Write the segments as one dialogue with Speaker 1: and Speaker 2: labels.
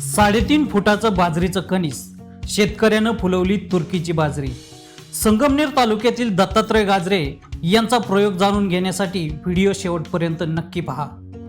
Speaker 1: 3.5 फुटाचं बाजरीचं कणीस शेतकऱ्यानं फुलवली तुर्कीची बाजरी. संगमनेर तालुक्यातील दत्तात्रय गाजरे यांचा प्रयोग जाणून घेण्यासाठी व्हिडिओ शेवटपर्यंत नक्की पहा.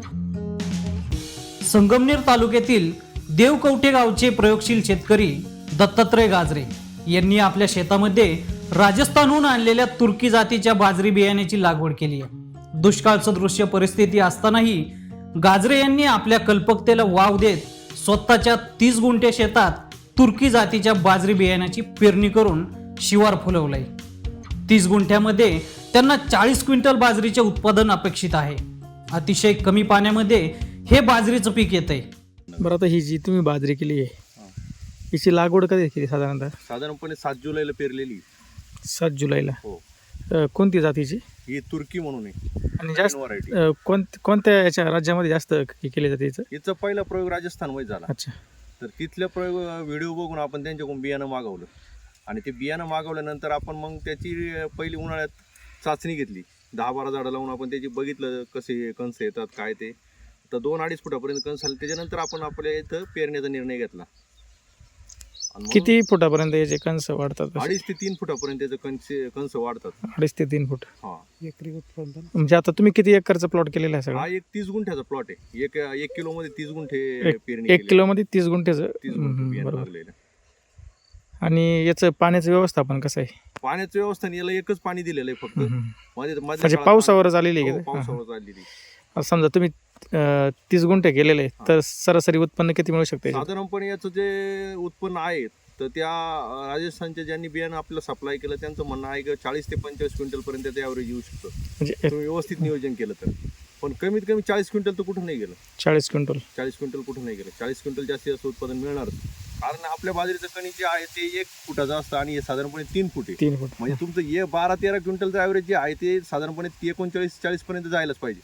Speaker 1: संगमनेर तालुक्यातील देवकवठे गावचे प्रयोगशील शेतकरी दत्तात्रय गाजरे यांनी आपल्या शेतामध्ये राजस्थानहून आणलेल्या तुर्की जातीच्या बाजरी बियाण्याची लागवड केली आहे. दुष्काळ सदृश्य परिस्थिती असतानाही गाजरे यांनी आपल्या कल्पकतेला वाव देत स्वतःच्या 30 गुंठे शेतात तुर्की जातीच्या बाजरी बियाण्याची पेरणी करून शिवार फुलवलंय. 30 गुंठ्यामध्ये त्यांना 40 क्विंटल बाजरीचे उत्पादन अपेक्षित आहे. अतिशय कमी पाण्यामध्ये हे बाजरीचं पीक येतंय.
Speaker 2: बरं, आता ही जी तुम्ही बाजरी केली आहे हिची लागवड कधी केली?
Speaker 3: साधारणपणे 7 जुलैला पेरलेली.
Speaker 2: 7 जुलैला.
Speaker 3: हो.
Speaker 2: कोणती जातीची?
Speaker 3: ही तुर्की म्हणून आहे.
Speaker 2: आणि जास्त
Speaker 3: व्हरायटी.
Speaker 2: कोणत्या याच्या राज्यामध्ये जास्त केले जाते हिचं?
Speaker 3: हिचा पहिला प्रयोग राजस्थानमध्ये झाला.
Speaker 2: अच्छा.
Speaker 3: तर तिथल्या प्रयोग व्हिडिओ बघून आपण त्यांच्याकडून बियाणं मागवलं आणि ते बियाणं मागवल्यानंतर आपण मग त्याची पहिली उन्हाळ्यात चाचणी घेतली. 10-12 झाडं लावून आपण त्याची बघितलं कसे कंस येतात काय ते. तर 2-2.5 फुटापर्यंत कंस आले. त्याच्यानंतर आपण आपल्या इथं पेरण्याचा निर्णय घेतला.
Speaker 2: किती फुटापर्यंत याचे कंस वाढतात?
Speaker 3: 2.5 ते 3 फुटापर्यंत त्याचे कंस वाढतात.
Speaker 2: 2.5 ते 3 फूट.
Speaker 3: हा.
Speaker 2: म्हणजे आता तुम्ही किती एकरचा प्लॉट केलेला आहे?
Speaker 3: हा
Speaker 2: सगळा
Speaker 3: एक 30 गुंठ्याचा प्लॉट आहे. एक किलो मध्ये 30 गुंठे पेरणी.
Speaker 2: 1 किलो मध्ये 30 गुंठ्याचं.
Speaker 3: 30 गुंठे बियाणं
Speaker 2: बरोबर.
Speaker 3: लागलेलं.
Speaker 2: आणि याचं पाण्याचं व्यवस्थापन कसं आहे?
Speaker 3: पाण्याचं व्यवस्था याला एकच पाणी दिलेलं आहे फक्त.
Speaker 2: म्हणजे पावसावरच आलेली आहे?
Speaker 3: पावसावर आलेली.
Speaker 2: आता समजा तुम्ही 30 गुंठे केलेले आहे तर सरासरी उत्पन्न किती मिळू शकते?
Speaker 3: साधारणपणे याचं जे उत्पन्न आहे तर त्या राजस्थानच्या ज्यांनी बियाणं आपल्याला सप्लाय केलं त्यांचं म्हणणं आहे की 40 ते 25 क्विंटल पर्यंत त्याचं ॲव्हरेज येऊ शकतं
Speaker 2: म्हणजे
Speaker 3: तुम्ही व्यवस्थित नियोजन केलं तर. पण कमीत कमी 40 क्विंटल तर कुठं नाही गेलं.
Speaker 2: 40 क्विंटल.
Speaker 3: 40 क्विंटल कुठं नाही गेलं. 40 क्विंटल जास्तीत जास्त उत्पादन मिळणारच. कारण आपल्या बाजरीचं कणीस जे आहे ते 1 फुटाचं असतं आणि हे साधारणपणे 3 फूट आहे.
Speaker 2: 3 फूट. म्हणजे
Speaker 3: तुमचं हे 12-13 क्विंटलचं ॲव्हरेज जे आहे ते साधारणपणे 39-40 पर्यंत जायलाच पाहिजे.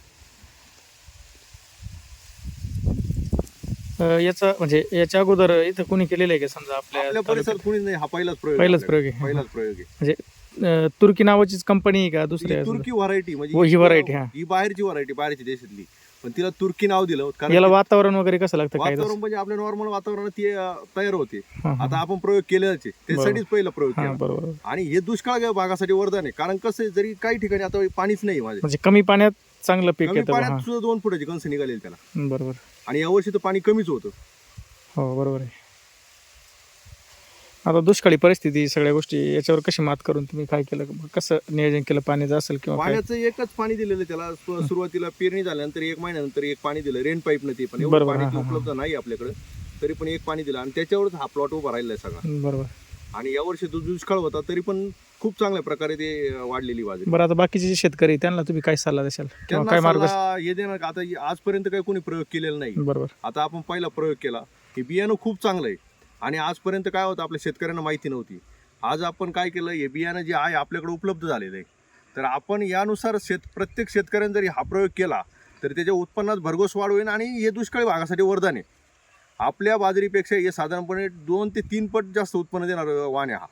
Speaker 2: याचा म्हणजे याच्या अगोदर इथं कोणी केलेलं आहे का? समजा
Speaker 3: आपल्या परिसरात कोणी नाही. हा पहिलाच प्रयोग
Speaker 2: आहे.
Speaker 3: पहिलाच प्रयोग आहे.
Speaker 2: म्हणजे तुर्की नावाचीच कंपनी आहे का दुसऱ्या?
Speaker 3: तुर्की व्हरायटी म्हणजे
Speaker 2: ही व्हरायटी. हा,
Speaker 3: ही बाहेरची व्हरायटी, बाहेरची देशातली, पण तिला तुर्की नाव दिलं. कारण
Speaker 2: याला वातावरण वगैरे कसं लागतं? काय
Speaker 3: वातावरण म्हणजे आपल्या नॉर्मल वातावरणात ती तयार होते. आता आपण प्रयोग केलेलाच आहे. त्यासाठीच पहिला प्रयोग केला.
Speaker 2: बरोबर.
Speaker 3: आणि हे दुष्काळ भागासाठी वरदान आहे. कारण कसं आहे, जरी काही ठिकाणी आता पाणीच नाही माझे,
Speaker 2: म्हणजे कमी पाण्यात चांगलं पीक
Speaker 3: कमी
Speaker 2: येतं.
Speaker 3: पाण्यात सुद्धा 2 फुटाची कंस निघालेली त्याला.
Speaker 2: बरोबर.
Speaker 3: आणि यावर्षी तर पाणी कमीच होतं.
Speaker 2: हो, बरोबर आहे. आता दुष्काळी परिस्थिती सगळ्या गोष्टी याच्यावर कशी मात करून तुम्ही काय केलं? कसं नियोजन केलं पाण्याचं असेल किंवा
Speaker 3: पाण्याचं एकच पाणी दिलेलं त्याला. सुरुवातीला पेरणी झाल्यानंतर 1 महिन्यानंतर 1 पाणी दिलं रेन पाईपनं. ते पण एवढं पाणी उपलब्ध नाही आपल्याकडे, तरी पण 1 पाणी दिलं आणि त्याच्यावरच हा प्लॉट उभा राहिला आहे सगळा.
Speaker 2: बरोबर. आणि
Speaker 3: यावर्षी तो दुष्काळ होता तरी पण खूप चांगल्या प्रकारे ते वाढलेली बाजरी.
Speaker 2: बरं, आता बाकीचे जे शेतकरी त्यांना तुम्ही काय सल्ला देशाल किंवा काय मार्ग
Speaker 3: हे देणार? आता आजपर्यंत काही कोणी प्रयोग केलेला नाही.
Speaker 2: बरोबर.
Speaker 3: आता आपण पहिला प्रयोग केला. हे बियाणं खूप चांगलं आहे आणि आजपर्यंत काय होतं आपल्या शेतकऱ्यांना माहिती नव्हती. आज आपण काय केलं, हे बियाणं जे आहे आपल्याकडे उपलब्ध झालेलं आहे. तर आपण यानुसार प्रत्येक शेतकऱ्याने जरी हा प्रयोग केला तर त्याच्या उत्पन्नात भरघोस वाढ होईल आणि हे दुष्काळी भागासाठी वरदान आहे. आपल्या बाजरीपेक्षा हे साधारणपणे 2 ते 3 पट जास्त उत्पन्न देणार वाण आहे हा.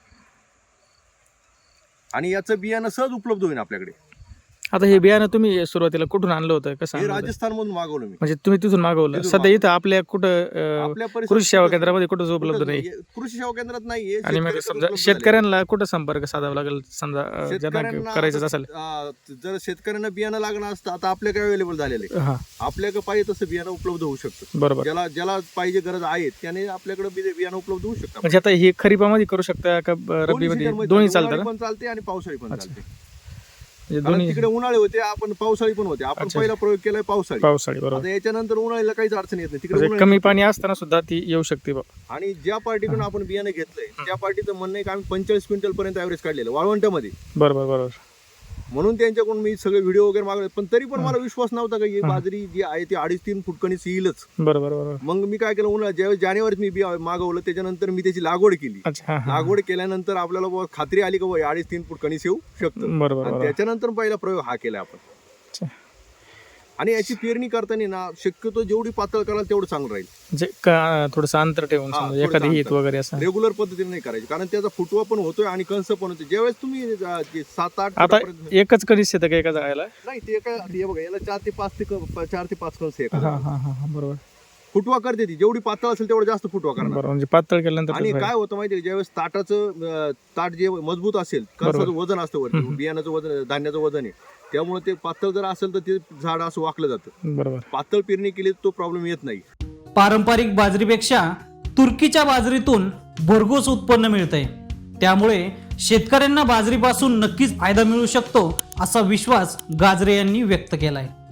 Speaker 3: आणि याचं बियाणं सहज उपलब्ध होईल आपल्याकडे.
Speaker 2: आता हे बियाणं तुम्ही सुरुवातीला कुठून आणलं होतं? कसं?
Speaker 3: हे राजस्थानमधून मागवलं मी.
Speaker 2: म्हणजे तुम्ही तिथून मागवलं? सध्या इथं आपल्या कुठं
Speaker 3: आपल्या
Speaker 2: कृषी सेवा केंद्रामध्ये कुठंच उपलब्ध नाही?
Speaker 3: कृषी सेवा केंद्रात नाही.
Speaker 2: आणि मग समजा शेतकऱ्यांना कुठं संपर्क साधावा लागेल समजा ज्यांना करायचं असेल?
Speaker 3: जर शेतकऱ्यांना बियाणं लागणार असतं आता आपल्याकडे अवेलेबल झालेलं आहे. आपल्याकडे पाहिजे तसं बियाणं उपलब्ध होऊ शकतं.
Speaker 2: बरोबर.
Speaker 3: ज्याला पाहिजे गरज आहे त्याने आपल्याकडे बियाणं उपलब्ध होऊ शकतं.
Speaker 2: म्हणजे आता हे खरीपामध्ये करू शकता का रब्बीमध्ये? दोन्ही चालतं
Speaker 3: पण चालते आणि पावसाळी पण चालते.
Speaker 2: दोन्ही.
Speaker 3: तिकडे उन्हाळी होते, आपण पावसाळी पण होते. आपण पहिला प्रयोग केलाय पावसाळी.
Speaker 2: बरोबर.
Speaker 3: आता याच्यानंतर उन्हाळीला काहीच अडचण येत नाही. तिकडे
Speaker 2: कमी पाणी असताना सुद्धा ती येऊ शकते.
Speaker 3: आणि ज्या पार्टीकडून आपण बियाणं घेतलंय त्या पार्टीचं म्हणणं आहे की आम्ही 45 क्विंटल पर्यंत ऍव्हरेज काढलेलं वाळवंटामध्ये.
Speaker 2: बरोबर.
Speaker 3: म्हणून त्यांच्याकडून मी सगळे व्हिडिओ वगैरे मागवले, पण तरी पण मला विश्वास नव्हता की ही बाजरी जी आहे ती 2.5-3 फूट कणीस येईलच.
Speaker 2: बरोबर.
Speaker 3: मग मी काय केलं, उन्हाळ्यात ज्यावेळेस जानेवारीत मी मागवलं त्याच्यानंतर मी त्याची लागवड केली. लागवड केल्यानंतर आपल्याला खात्री आली की 2.5-3 फूट कणीस येऊ शकतं.
Speaker 2: बरोबर.
Speaker 3: त्याच्यानंतर पहिला प्रयोग हा केला आपण. आणि याची पेरणी करताना ना शक्यतो जेवढी पातळ कराल तेवढं चांगलं राहील.
Speaker 2: म्हणजे थोडंसं अंतर ठेवून एखादी हित वगैरे असं
Speaker 3: रेग्युलर पद्धतीने नाही करायची, कारण त्याचा फुटवा पण होतोय आणि कंस पण होते. ज्यावेळेस तुम्ही 7-8
Speaker 2: आता एकच कणीस येतं का एका जायला?
Speaker 3: नाही, ते काय बघा, याला 4 ते 5 कंस आहे.
Speaker 2: बरोबर.
Speaker 3: फुटवा करते ती, जेवढी पातळ असेल तेवढं जास्त फुटवा करणार.
Speaker 2: बरोबर, म्हणजे पातळ केल्यानंतर
Speaker 3: आणि
Speaker 2: कसं
Speaker 3: काय होतं माहितीये का, ज्यावेळेस ताट जे मजबूत असेल, कणसाचं वजन असतं वरती, बियाण्याचं वजन, धान्याचं वजन आहे, त्यामुळे ते पातळ जर असेल तर ते झाड असं वाकलं जातं.
Speaker 2: बरोबर.
Speaker 3: पातळ पेरणी केली तर तो प्रॉब्लेम येत नाही.
Speaker 1: पारंपरिक बाजरीपेक्षा तुर्कीच्या बाजरीतून भरघोस उत्पन्न मिळतंय, त्यामुळे शेतकऱ्यांना बाजरीपासून नक्कीच फायदा मिळू शकतो असा विश्वास गाजरे यांनी व्यक्त केलाय.